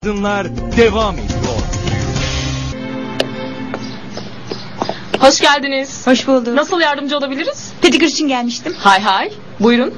Kadınlar devam ediyor. Hoş geldiniz. Hoş bulduk. Nasıl yardımcı olabiliriz? Pedikür için gelmiştim. Hay hay. Buyurun.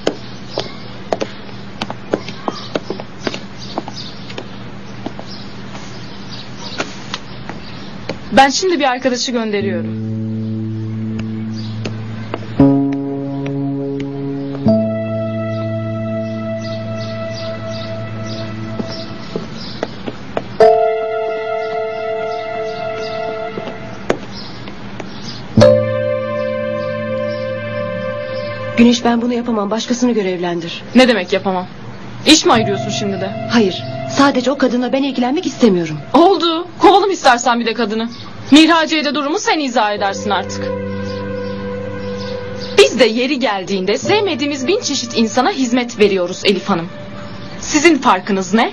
Ben şimdi bir arkadaşı gönderiyorum. Güneş, ben bunu yapamam. Başkasını görevlendir. Ne demek yapamam? İş mi ayırıyorsun şimdi de? Hayır. Sadece o kadınla ben ilgilenmek istemiyorum. Oldu. Kovalım istersen bir de kadını. Mihraciye'de durumu sen izah edersin artık. Biz de yeri geldiğinde sevmediğimiz 1000 çeşit insana hizmet veriyoruz Elif Hanım. Sizin farkınız ne?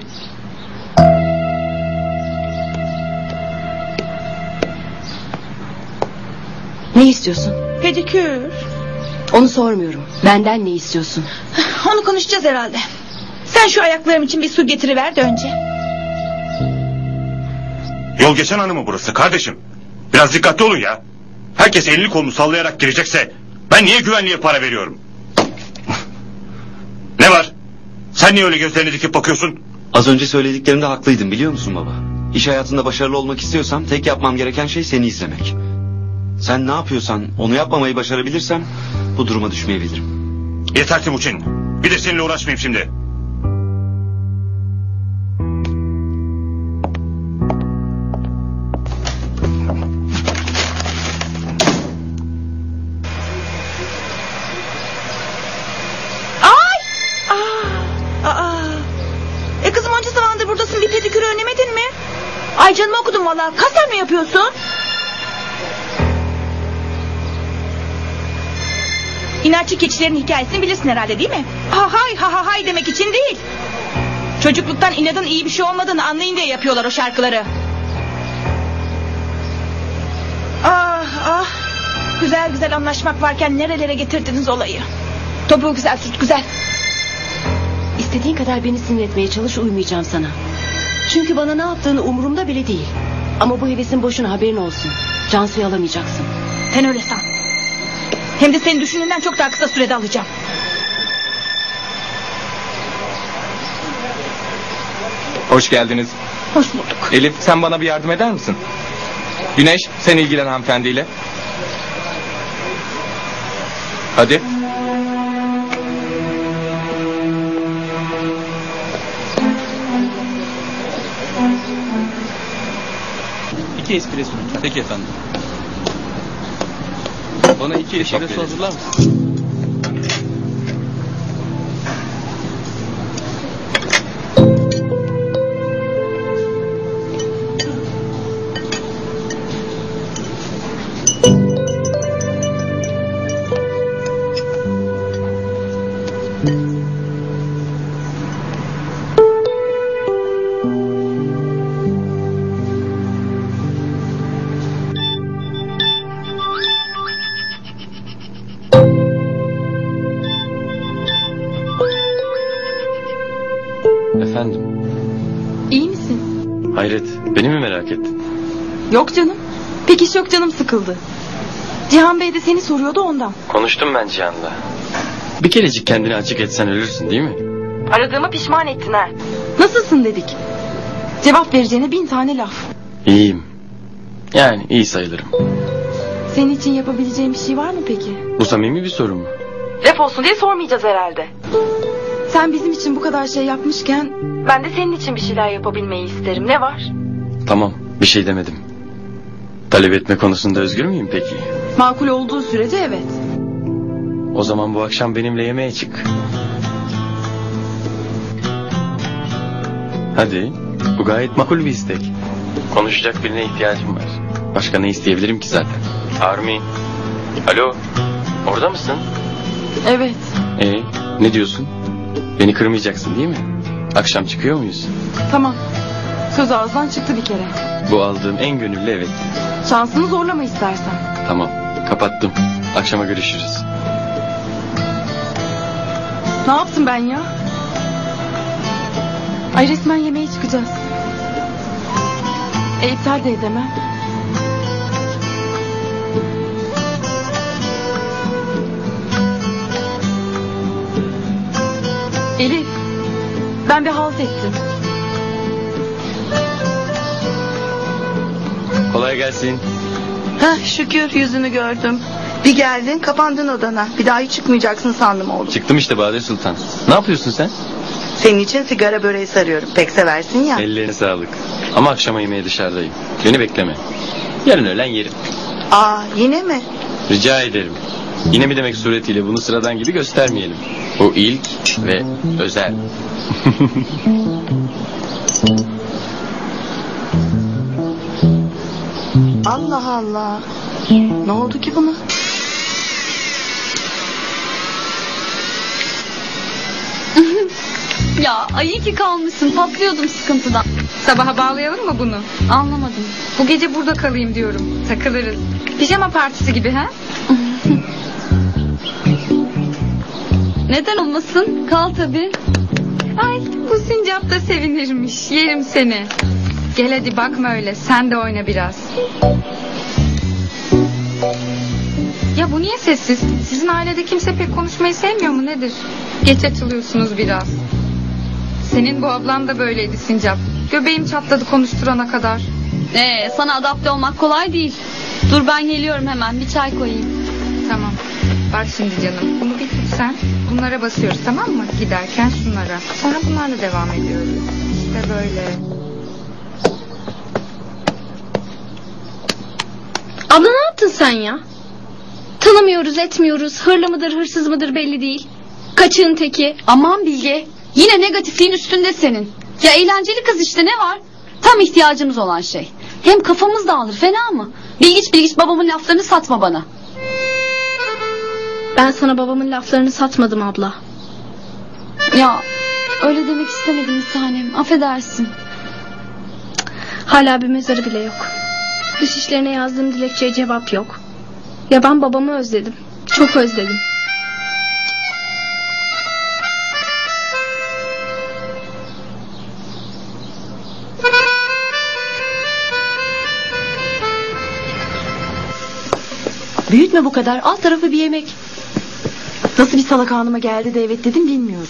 Ne istiyorsun? Pedikür. Onu sormuyorum. Benden ne istiyorsun? Onu konuşacağız herhalde. Sen şu ayaklarım için bir su getiriver de önce. Yol geçen hanı mı burası kardeşim? Biraz dikkatli olun ya. Herkes elini kolunu sallayarak girecekse ben niye güvenliğe para veriyorum? Ne var? Sen niye öyle gözlerini dikip bakıyorsun? Az önce söylediklerimde haklıydın, biliyor musun baba? İş hayatında başarılı olmak istiyorsam tek yapmam gereken şey seni izlemek. Sen ne yapıyorsan onu yapmamayı başarabilirsem bu duruma düşmeyebilirim. Yeter Timuçin. Bir de seninle uğraşmayayım şimdi. Kızım, onca zamandır buradasın, bir pedikürü önlemedin mi? Ay canımı okudum valla. Kasten mi yapıyorsun? İnatçı keçilerin hikayesini bilirsin herhalde, değil mi? Ha hay ha ha hay demek için değil. Çocukluktan inadın iyi bir şey olmadığını anlayın diye yapıyorlar o şarkıları. Ah ah. Güzel güzel anlaşmak varken nerelere getirdiniz olayı. Topuğu güzel, süt güzel. İstediğin kadar beni sinir etmeye çalış, uymayacağım sana. Çünkü bana ne yaptığını umurumda bile değil. Ama bu hevesin boşuna, haberin olsun. Cansu'yu alamayacaksın. Sen öyle san. Hem de senin düşündüğünden çok daha kısa sürede alacağım. Hoş geldiniz. Hoş bulduk. Elif, sen bana bir yardım eder misin? Güneş, sen ilgilen hanımefendiyle. Hadi. İki espresso. Peki efendim. Bana iki espresso hazırlar mısın? Efendim? İyi misin? Hayret, beni mi merak ettin? Yok canım. Pek iş yok, canım sıkıldı. Cihan Bey de seni soruyordu ondan. Konuştum ben Cihan'la. Bir kerecik kendini açık etsen ölürsün değil mi? Aradığıma pişman ettin ha. Nasılsın dedik. Cevap vereceğine 1000 tane laf. İyiyim. Yani iyi sayılırım. Senin için yapabileceğim bir şey var mı peki? Bu samimi bir soru mu? Laf olsun diye sormayacağız herhalde. Sen bizim için bu kadar şey yapmışken ben de senin için bir şeyler yapabilmeyi isterim. Ne var? Tamam, bir şey demedim. Talep etme konusunda özgür müyüm peki? Makul olduğu sürece evet. O zaman bu akşam benimle yemeğe çık. Hadi, bu gayet makul bir istek. Konuşacak birine ihtiyacım var. Başka ne isteyebilirim ki zaten? Armi, alo, orada mısın? Evet. Ne diyorsun? Beni kırmayacaksın değil mi? Akşam çıkıyor muyuz? Tamam. Söz ağızdan çıktı bir kere. Bu aldığım en gönüllü evet. Şansını zorlama istersen. Tamam, kapattım. Akşama görüşürüz. Ne yaptım ben ya? Ay resmen yemeğe çıkacağız. İptal de edemem. Elif, ben bir halt ettim. Kolay gelsin. Heh, şükür yüzünü gördüm. Bir geldin kapandın odana. Bir daha hiç çıkmayacaksın sandım oğlum. Çıktım işte Bade Sultan. Ne yapıyorsun sen? Senin için sigara böreği sarıyorum. Pek seversin ya. Ellerine sağlık. Ama akşama yemeğe dışarıdayım. Beni bekleme. Yarın öğlen yerim. Aa, yine mi? Rica ederim. Yine mi demek suretiyle bunu sıradan gibi göstermeyelim. Bu ilk ve özel. Allah Allah. Ne oldu ki buna? Ya ay iyi ki kalmışsın, patlıyordum sıkıntıdan. Sabaha bağlayalım mı bunu? Anlamadım. Bu gece burada kalayım diyorum. Takılırız. Pijama partisi gibi ha? Neden olmasın? Kal tabii. Ay bu sincap da sevinirmiş. Yerim seni. Gel hadi bakma öyle. Sen de oyna biraz. Ya bu niye sessiz? Sizin ailede kimse pek konuşmayı sevmiyor mu nedir? Geç açılıyorsunuz biraz. Senin bu ablan da böyleydi sincap. Göbeğim çatladı konuşturana kadar. Sana adapte olmak kolay değil. Dur ben geliyorum hemen, bir çay koyayım. Tamam. Bak şimdi canım. Bunu bir tut sen. Bunlara basıyoruz tamam mı? Giderken şunlara. Sonra bunlarla devam ediyoruz. İşte böyle. Abla ne yaptın sen ya? Tanımıyoruz etmiyoruz. Hırlı mıdır hırsız mıdır belli değil. Kaçığın teki. Aman Bilge. Yine negatifliğin üstünde senin. Ya eğlenceli kız işte, ne var? Tam ihtiyacımız olan şey. Hem kafamız dağılır, fena mı? Bilgiç babamın laflarını satma bana. Ben sana babamın laflarını satmadım abla. Ya öyle demek istemedim bir tanem. Affedersin. Hala bir mezarı bile yok. Dış işlerine yazdığım dilekçeye cevap yok. Ya ben babamı özledim. Çok özledim. Büyütme bu kadar. Alt tarafı bir yemek. Nasıl bir salak anıma geldi de evet dedim bilmiyorum.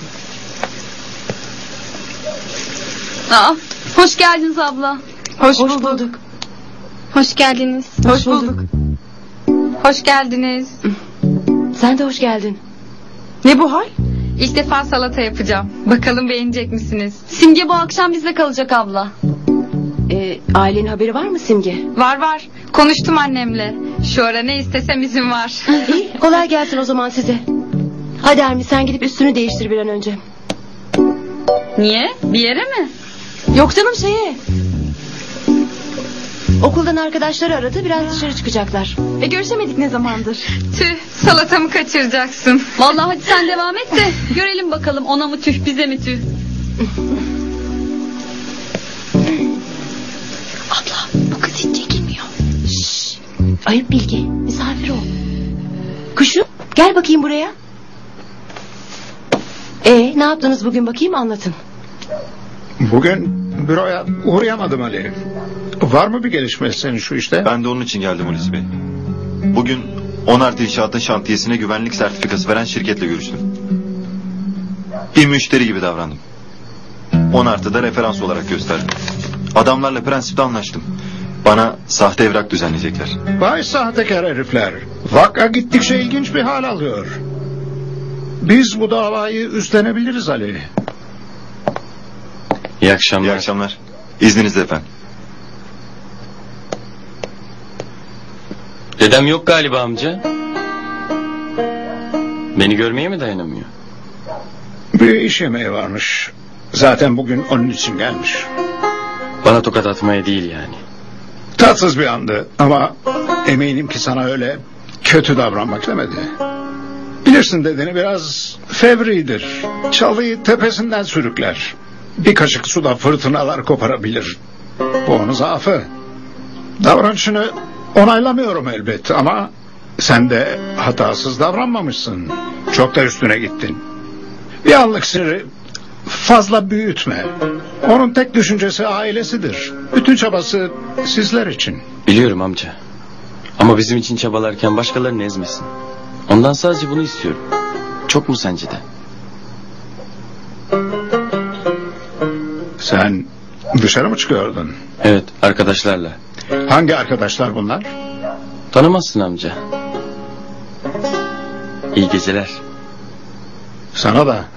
Hoş geldiniz abla. Hoş bulduk. Hoş geldiniz. Hoş bulduk. Hoş geldiniz. Sen de hoş geldin. Ne bu hal? İlk defa salata yapacağım. Bakalım beğenecek misiniz? Simge bu akşam bizde kalacak abla. Ailenin haberi var mı Simge? Var. Konuştum annemle. Şu ara ne istesem izin var. İyi, kolay gelsin o zaman size. Hadi Armi sen gidip üstünü değiştir bir an önce. Niye? Bir yere mi? Yok canım şeye. Okuldan arkadaşları aradı, biraz dışarı çıkacaklar. Görüşemedik ne zamandır. Tüh, salatamı kaçıracaksın. Vallahi hadi sen devam et de görelim bakalım, ona mı tüh bize mi tüh. Abla bu kız hiç çekilmiyor. Şşş. Ayıp Bilge, misafir ol. Kuşum gel bakayım buraya. Ne yaptınız bugün bakayım, anlatın. Bugün büroya uğrayamadım Ali. Var mı bir gelişme senin şu işte? Ben de onun için geldim Hulusi Bey. Bugün 10 artı inşaatın şantiyesine güvenlik sertifikası veren şirketle görüştüm. Bir müşteri gibi davrandım. 10 artı da referans olarak gösterdim. Adamlarla prensipte anlaştım. Bana sahte evrak düzenleyecekler. Vay sahtekar herifler. Vaka gittikçe ilginç bir hal alıyor. Biz bu davayı üstlenebiliriz Ali. İyi akşamlar. İyi akşamlar. İzninizle efendim. Dedem yok galiba amca. Beni görmeye mi dayanamıyor? Bir iş yemeği varmış. Zaten bugün onun için gelmiş. Bana tokat atmaya değil yani. Tatsız bir andı ama eminim ki sana öyle kötü davranmak demedi. Bilirsin dedeni biraz fevridir. Çalıyı tepesinden sürükler. Bir kaşık suda fırtınalar koparabilir. Bu onun zaafı. Davranışını onaylamıyorum elbet ama sen de hatasız davranmamışsın. Çok da üstüne gittin. Bir anlık siniri fazla büyütme. Onun tek düşüncesi ailesidir. Bütün çabası sizler için. Biliyorum amca. Ama bizim için çabalarken başkalarını ezmesin. Ondan sadece bunu istiyorum. Çok mu sence de? Sen dışarı mı çıkıyordun? Evet, arkadaşlarla. Hangi arkadaşlar bunlar? Tanımazsın amca. İyi geceler. Sana da.